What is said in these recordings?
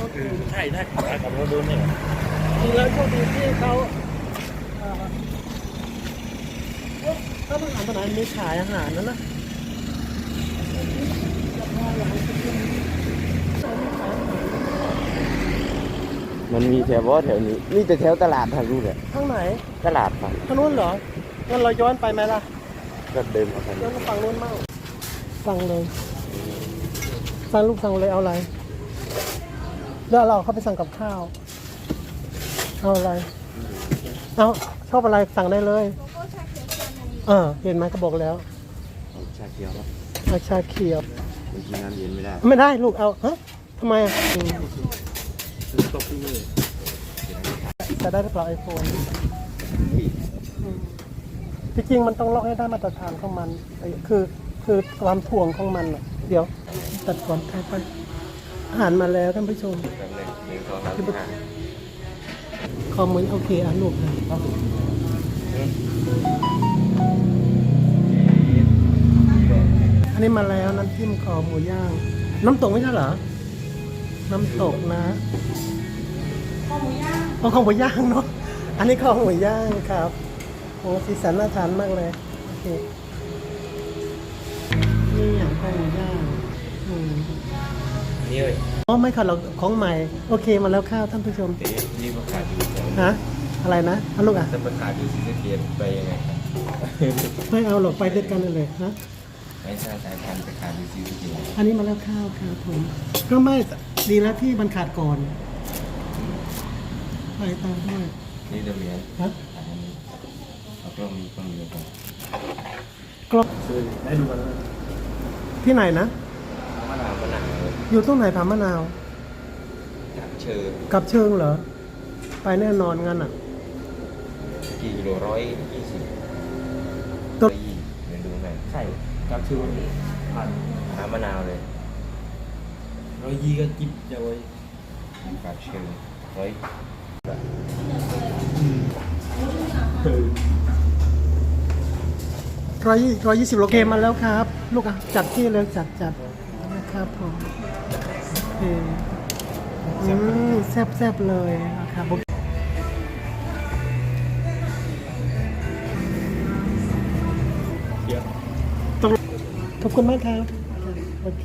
ใช่ขับรถดูนี่จริงแล้วโชคดีที่เขาถ้ามันอ่านตอนไหนมีขายอาหารนั่นนะมันมีแถวแถวนี้นี่แต่แถวตลาดทางนู้นแหละข้างไหนตลาดครับทางนู้นเหรองั้นเราย้อนไปไหมล่ะก็เดินมาทางย้อนี้นมาฝั่งนู้นมั่งสั่งเลยสั่งลูกสั่งเลยเอาอะไรแล้วเราเข้าไปสั่งกับข้าวเอาอะไรเอาชอบอะไรสั่งได้เลยเห็นไหมก็บอกแล้วเอาชาเขียวครับเอาชาเขียวมันกินน้ำเย็นไม่ได้ไม่ได้ลูกเอาฮะทำไมอ่ะตกที่มือจะได้หรือเปล่าไอโฟนที่จริงมันต้องล็อกให้ได้มาตรฐานของมันคือความถ่วงของมันอ่ะเดี๋ยวตัดก่อนไปอาหารมาแล้วท่านผู้ชมคอมเมนต์โอเคอ่ะลูกนะอันนี้มาแล้วน้ำจิ้มคอหมูย่างน้ำตกไม่ใช่เหรอน้ำตกนะคอหมูย่างคอหมูย่างเนาะอันนี้คอหมูย่างครับโอ้สีสันน่าทานมากเลยโอเคนี่อย่างคอหมูย่างนี่เลยอ๋อไม่ค่ะเราของใหม่โอเคมาแล้วข้าวท่านผู้ชมนี่มาขายอยู่ฮะอะไรนะลูกอ่ะจะมาขายอยู่สีสะเกียนไปยังไงไม่เอาหรอกไปด้วยกันเลยฮะไม่ใช่สายพันธุ์ไปขายอยู่สีสะเกียนอันนี้มาแล้วข้าวครับผมก็ไม่ดีแล้วที่มันขาดก่อนไปตามด้วยนี่เดมีนฮะอันนี้เอากล้องนี้กล้องเดียวกันกรอบได้ดูกันแล้วที่ไหนนะมะนาวมะนาวอยู่ตรงไหนผามะนาวจากเชิญกับเชิงเหรอไปแน่นอนงั้นอ่ะกี่กิโล120 ต้นเดี๋ยวดูหน่อยใช่จากเชิญผ่านหามะนาวเลย120ก็จิ๊บจะไว้จากเชิญ 120โลเกมมาแล้วครับ ลูกอ่ะจัดที่เลยจัดนะครับผมโอเคแซ่บเลยนะครับขอบคุณมากครับโอเค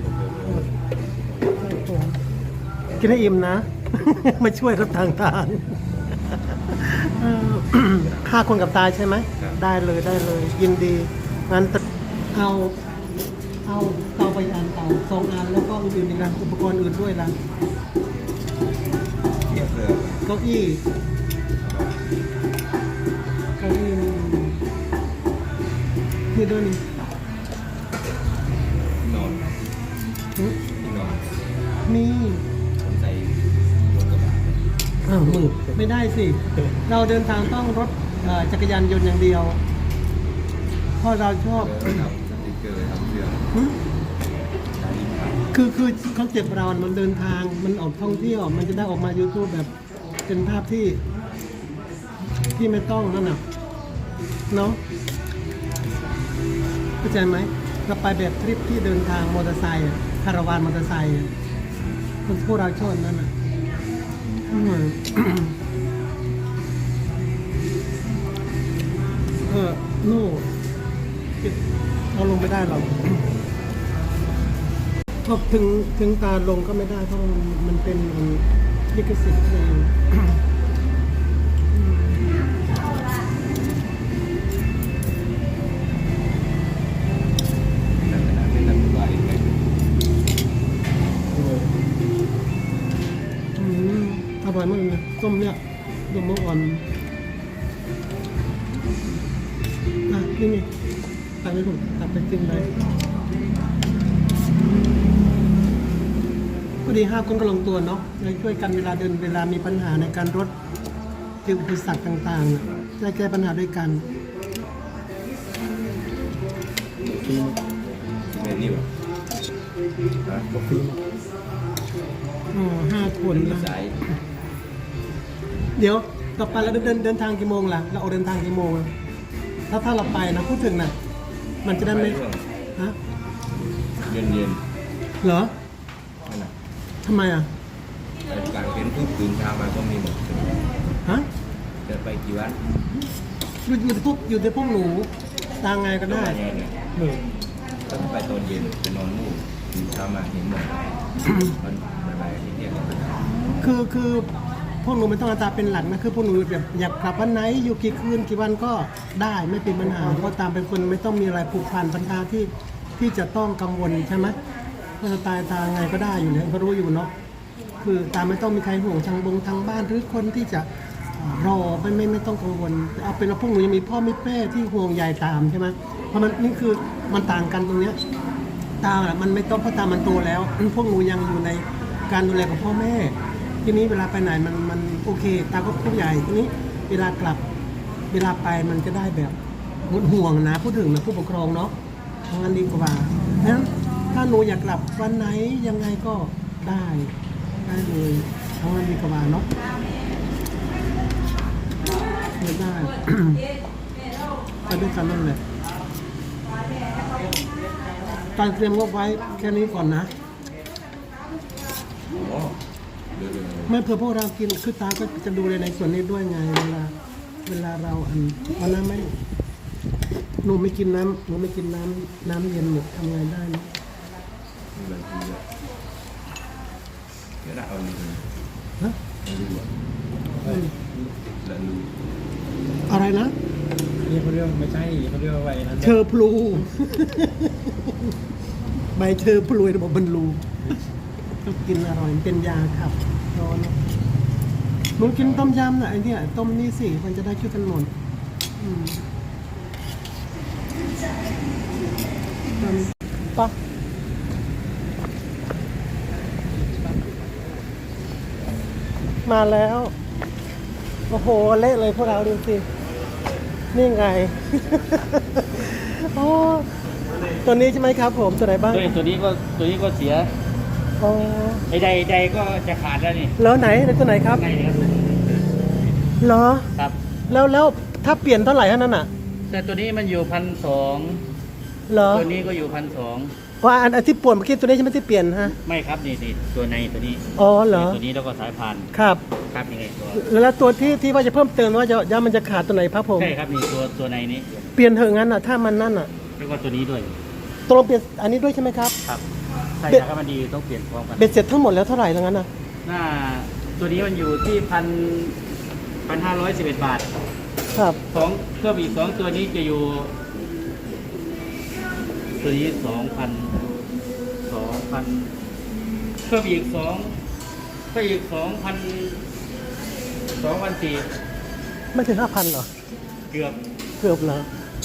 ครับผมกินให้อิ่มนะ มาช่วยรับทาง5 คนกับตาใช่ไหมได้เลยยินดีงั้นเอาเตาไปอันเตา2 อันแล้วก็อื่นๆอีกนะอุปกรณ์อื่นด้วยนะเทียบเลยเก้าอี้นี่ด้วยนี่นอนหึนอนนี่ผมใส่รถกระบะมืดไม่ได้สิ เราเดินทางต้องรถจักรยานยนต์อย่างเดียวเพราะเราชอบทำสติ๊กเกอร์ทำเสื้อหึใช้ยิ้มครับคือคอนเซ็ปต์เรามันเดินทางมันออกท่องเที่ยวมันจะได้ออกมา YouTube แบบเป็นภาพที่ไม่ต้องนั่นน่ะเนาะเข้าใจไหมเราไปแบบทริปที่เดินทางมอเตอร์ไซค์คาราวานมอเตอร์ไซค์คนพวกเราชอบนั่นน่ะนู่เราลงไม่ได้หรอกพอถึงตาลงก็ไม่ได้เพราะมันเป็นลิขสิทธิ์เพลงอร่อยมากเลยต้มเนี่ยต้มมะอ่อนนี่ตักไปถูกตักไปกินเลยพอดี5 คนก็ลงตัวเนาะเลยช่วยกันเวลาเดินเวลามีปัญหาในการรถเจออุปสรรคต่างๆจะแก้ปัญหาด้วยกันนี่วะกาแฟ 5 คนนะสายเดี๋ยวต่อไปเราเดินทางกี่โมงล่ะเราออกเดินทางกี่โมงถ้าเราไปนะพูดถึงน่ะมันจะได้ไม่ฮะเย็นเหรอนั่นน่ะทำไมอ่ะไปกลางเต็นท์ปุ๊บตื่นเช้ามาก็มีหมดฮะจะไปกี่วันอยู่ในพวกหนูตางไงก็ได้เนี่ยเนี่ยก็ไปตอนเย็นไปนอนนู่นตื่นเช้ามาเห็นหมดมันบ่ายๆที่เที่ยงก็ไปคือพวกหนูไม่ต้องเอาตาเป็นหลักนะคือพวกหนูแบบอยากกลับวันไหนอยู่กี่คืนกี่วันก็ได้ไม่เป็นปัญหาเพราะตามเป็นคนไม่ต้องมีอะไรผูกพันปัญหาที่จะต้องกังวลใช่ไหมก็จะตายตาไงก็ได้อยู่แล้วก็รู้อยู่เนาะคือตามไม่ต้องมีใครห่วงทางบ้านหรือคนที่จะรอไม่ต้องกังวลเอาเป็นว่าพวกหนูยังมีพ่อมีแม่ที่ห่วงใยตามใช่ไหมเพราะมันนี่คือมันต่างกันตรงเนี้ยตามันไม่ต้องเพราะตามันโตแล้วพวกหนูยังอยู่ในการดูแลของพ่อแม่ทีนี้เวลาไปไหนมันโอเคตาก็ผู้ใหญ่ทีนี้เวลากลับเวลาไปมันจะได้แบบหมดห่วงนะพูดถึงนะผู้ปกครองเนาะทางนั้นดีกว่านั้นถ้าหนูอยากกลับวันไหนยังไงก็ได้เลยทางนั้นดีกว่าเนาะได้ ไปด้วยกันนั่นแหละการเตรียมงบไว้แค่นี้ก่อนนะอ๋อเดี๋ยวไม่เพื่อพวกเรากินคือตาก็จะดูในส่วนนี้ด้วยไงเวลาเราวันนั้นไม่หนูไม่กินน้ำเย็นหนูทำไงได้นะมีบางทีเดี๋ยวเราเอาเลยฮะไม่รู้อ่ะแล้วรู้อะไรนะนี่เขาเรียกไม่ใช่เขาเรียกว่าไว้นั้นเชอพลูใบเชอพลูระบบบรรลูต้องกินอร่อยเป็นยาขับร้อนหนูกินต้มยำน่ะไอเนี่ยต้มนี่สิมันจะได้ช่วยกันหมดปะมาแล้ว โอ้โหเละเลยพวกเราดูสิ นี่ไง โอ้ตัวนี้ใช่ไหมครับผมตัวไหนบ้างตัวนี้ก็เสียอ๋อไอ้ใดก็จะขาดแล้วนี่แล้วไหนตัวไหนครับไงครับเหรอครับแล้วถ้าเปลี่ยนเท่าไหร่เท่านั้นอ่ะแต่ตัวนี้มันอยู่1,200 เหรอตัวนี้ก็อยู่1,200 ว่าอันที่ป่วนเมื่อกี้ตัวนี้ใช่ไหมที่เปลี่ยนฮะไม่ครับนี่ตัวในตัวนี้อ๋อเหรอตัวนี้แล้วก็สายพานครับครับยังไงตัวแล้วตัวที่ว่าจะเพิ่มเติมว่าจะมันจะขาดตัวไหนครับผมใช่ครับนี่ตัวในนี้เปลี่ยนเถอะงั้นอ่ะถ้ามันนั่นอ่ะแล้วก็ตัวนี้ด้วยตกลงเปลี่ยนอันนี้ด้วยใช่ไหมครับครับใช่ถ้ามันดีต้องเปลี่ยนพร้อมกันเบ็ดเสร็จทั้งหมดแล้วเท่าไหร่แล้วงั้นอ่ะหน้าตัวนี้มันอยู่ที่1,511 บาทครับสองเพิ่มอีก2ตัวนี้จะอยู่ตัวนี้2,000เพิ่มอีก2,400 ไม่ถึง 5,000เหรอเกือบเกือบเหรอ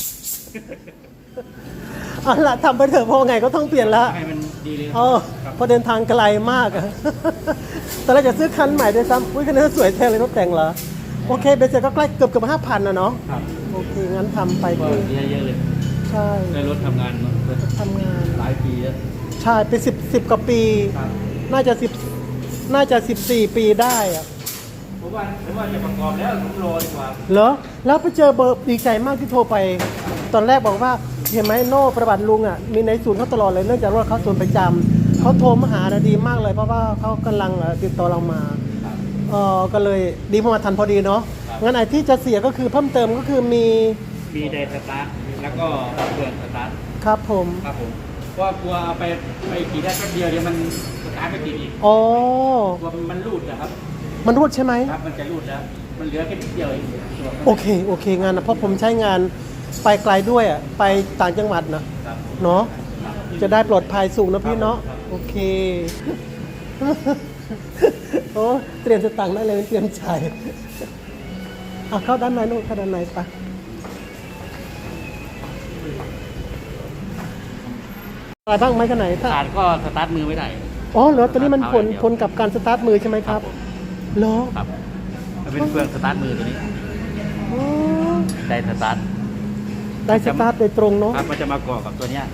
เอาล่ะทำไปเถอะเพราะไงก็ต้องเปลี่ยนละให้มันดีเลยอ๋อครับเพอเดินทางไกลมากอะ ตอนแรกจะซื้อคันใหม่ด้วยซ้ำอุ้ยคันนี้สวยแท้เลยรถแต่งเหรอ โอเคเบสเสร็จก็ใกล้เกือบ5,000นะเนาะครับโอเค งั้นทำไปก็คือเยอะๆเลยใช่ได้รถทำงานมาทำงานหลายปีแล้วใช่เป็น10กว่าปีครับน่าจะ14 ปีได้อะผมว่าจะประกอบแล้วผมรอดีกว่าเหรอ แล้วไปเจอเบอร์ดีใจมากที่โทรไป ตอนแรกบอกว่าเห็นไหมโน่ประวัติลุงอ่ะมีในศูนย์เขาตลอดเลยเนื่องจากว่าเขาศูนย์ประจำเขาโทรมาหานะดีมากเลยเพราะว่าเขากำลังติดต่อเรามาก็เลยดีพอมาทันพอดีเนาะงั้นไอ้ที่จะเสียก็คือเพิ่มเติมก็คือมีไดสตาร์ทแล้วก็เครื่องสตาร์ทครับผมครับผมเพราะว่ากลัวเอาไปขี่ได้แป๊บเดียวเดี๋ยวมันสตาร์ทไม่ติดอีกอ๋อกลัวมันรูดนะครับมันรูดใช่ไหมครับมันจะรูดแล้ว มันเหลือแค่นิดเดียวเองตัวโอเคงานนะเพราะผมใช้งานไปไกลด้วยอ่ะไปต่างจังหวัดนะครับ เนาะจะได้ปลอดภัยสูงนะพี่เนาะครับโอเค โอ้เตรียมสตังค์ได้เลยเตรียมใจายเอาเข้าด้านในนู่นเข้าด้านในไปอะไรบ้างไหมขนาดไหนถ้าขาดก็สตาร์ทมือไม่ได้อ๋อเหรอตัวนี้มันผลเดียวผลกับการสตาร์ทมือใช่ไหมครับเหรอครับมันเป็นเครื่องสตาร์ทมือตัวนี้อ๋อไดสตาร์ทได้สตาร์ทโดยตรงเนาะครับมันจะมาเกาะกับตัวเนี้ย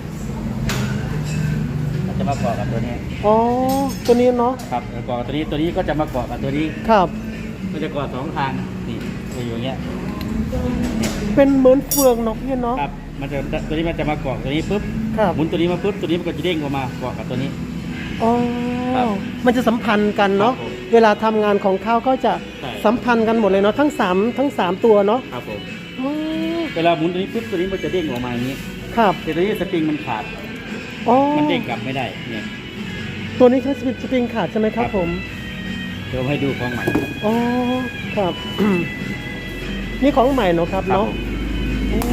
มันจะมาเกาะกับตัวเนี้ยอ๋อตัวนี้เนาะครับแล้วเกาะกับตัวนี้ก็จะมาเกาะกับตัวนี้ครับมันจะเกาะ2 ทางนี่ตัวอยู่อย่างเงี้ยเป็นเหมือนเฟืองเนาะพี่เนาะครับมันจะตัวนี้มันจะมาเกาะตัวนี้ปุ๊บครับหมุนตัวนี้มาปุ๊บตัวนี้มันก็จะเด้งออกมาเกาะกับตัวนี้อ๋อครับมันจะสัมพันธ์กันเนาะครับผมเวลาทำงานของเขาก็จะใช่สัมพันธ์กันหมดเลยเนาะทั้งสามตัวเนาะครับผมอ๋อเวลาหมุนตัวนี้ปุ๊บตัวนี้มันจะเด้งออกมาอย่างนี้ครับแต่ตัวนี้สปริงมันขาดอ๋อมันเด้งกลับไม่ได้เนี่ยตัวนี้คือสปริงขาดใช่ไหมครับผมเดี๋ยวให้ดูของใหม่อ๋อครับ นี่ของใหม่เนาะครับครับเนาะผมโอ้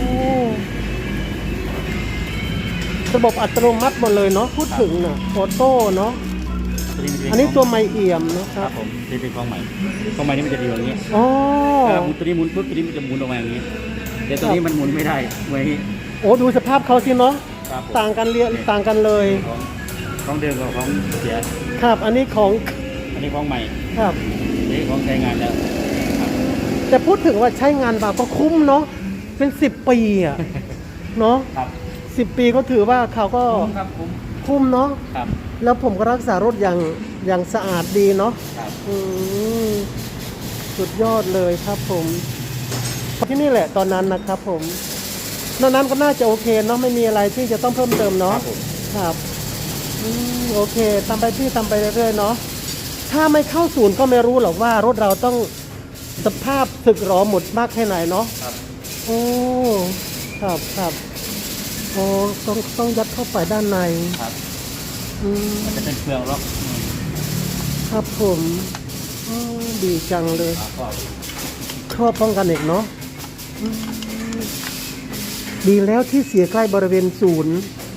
ระบบอัตโนมัติหมดเลยเนาะพูดถึงน่ะออโต้เนาะตัวนี้มันจะเป็อันนี้ของตัวไมเอี่ยมนะคครัรับ บผมนี่เป็นของใหม่ของใหม่นี่มันจะดีอย่างนี้อ๋อหมุนตัวนี้หมุนปุ๊บตัวนี้มันจะหมุนออกมาอย่างนี้แต่ตัวนี้มันหมุนไม่ได้ไว้นี้โอ้ดูสภาพเขาสิเนาะครับผมต่างกันต่างกันเลยของเดิมกับของเสียครับ อันนี้ของอันนี้ของใหม่ครับอันนี้ของใช้งานแล้วครับแต่พูดถึงว่าใช้งานมาก็คุ้มเนาะเป็น10 ปีอะเนาะครับ 10 ปีก็ถือว่าเขาก็ครับผมคุ้มเนาะครับแล้วผมก็รักษารถอย่างสะอาดดีเนาะครับอืมสุดยอดเลยครับผมที่นี่แหละตอนนั้นนะครับผมนอกนั้นก็น่าจะโอเคเนาะไม่มีอะไรที่จะต้องเพิ่มเติมคเนาะรับผมครับโอเคทำไปพี่ทำไปเรื่อยๆเนาะถ้าไม่เข้าศูนย์ก็ไม่รู้หรอกว่ารถเราต้องสภาพสึกหรอหมดมากแค่ไหนเนาะครับโอ้ครับโอ้ต้องยัดเข้าไปด้านในครับอืมมันจะเป็นเฟืองล็อกครับผมดีจังเลยแล้วก็ครอบป้องกันอีกเนาะอืมดีแล้วที่เสียใกล้บริเวณศูนย์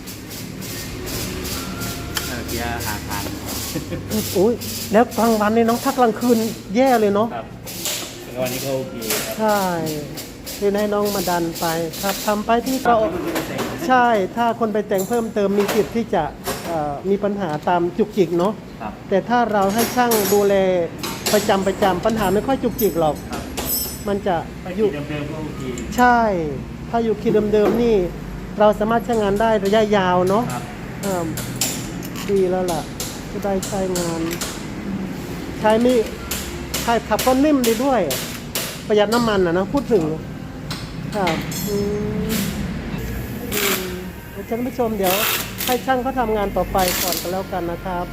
เกียร์หาทางโอ้ยแล้วกลางวันเนี่ยน้องถ้ากลางคืนแย่เลยเนาะครับแล้ววันนี้ก็โอเคครับใช่คือให้น้องมาดันไปครับทำไปที่เราใช่ถ้าคนไปแต่งเพิ่มเติมมีสิทธิ์ที่จะมีปัญหาตามจุกจิกเนาะครับแต่ถ้าเราให้ช่างดูแลประจำปัญหาไม่ค่อยจุกจิกหรอกครับมันจะไปออยู่ยู่เดิมๆก็โอเคใช่ ถ้าอยู่คีย์เดิมๆนี่ เราสามารถใช้งานได้ระยะยาวเนาะครับอ่าดีแล้วล่ะจะได้ใช้งาน ใช้ไม่ใช้ขับก็นิ่มดีด้วย ประหยัดน้ำมันนะพูดถึงครับท่านผู้ชมเดี๋ยวให้ช่างเขาทำงานต่อไปก่อนก็แล้วกันนะครับ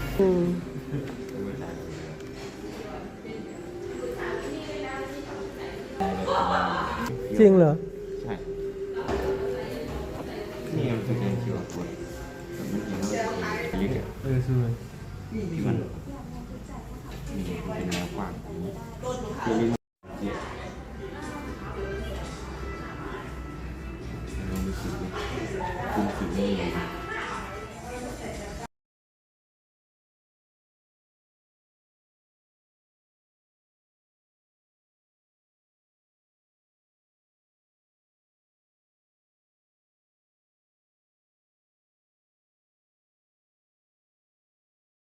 จริงเหรอใช่นี่มันคือคิวอาร์โค้ดมันจริงแล้วมันลิงก์อะที่มันมีเป็นแนวกว้างอย่างนี้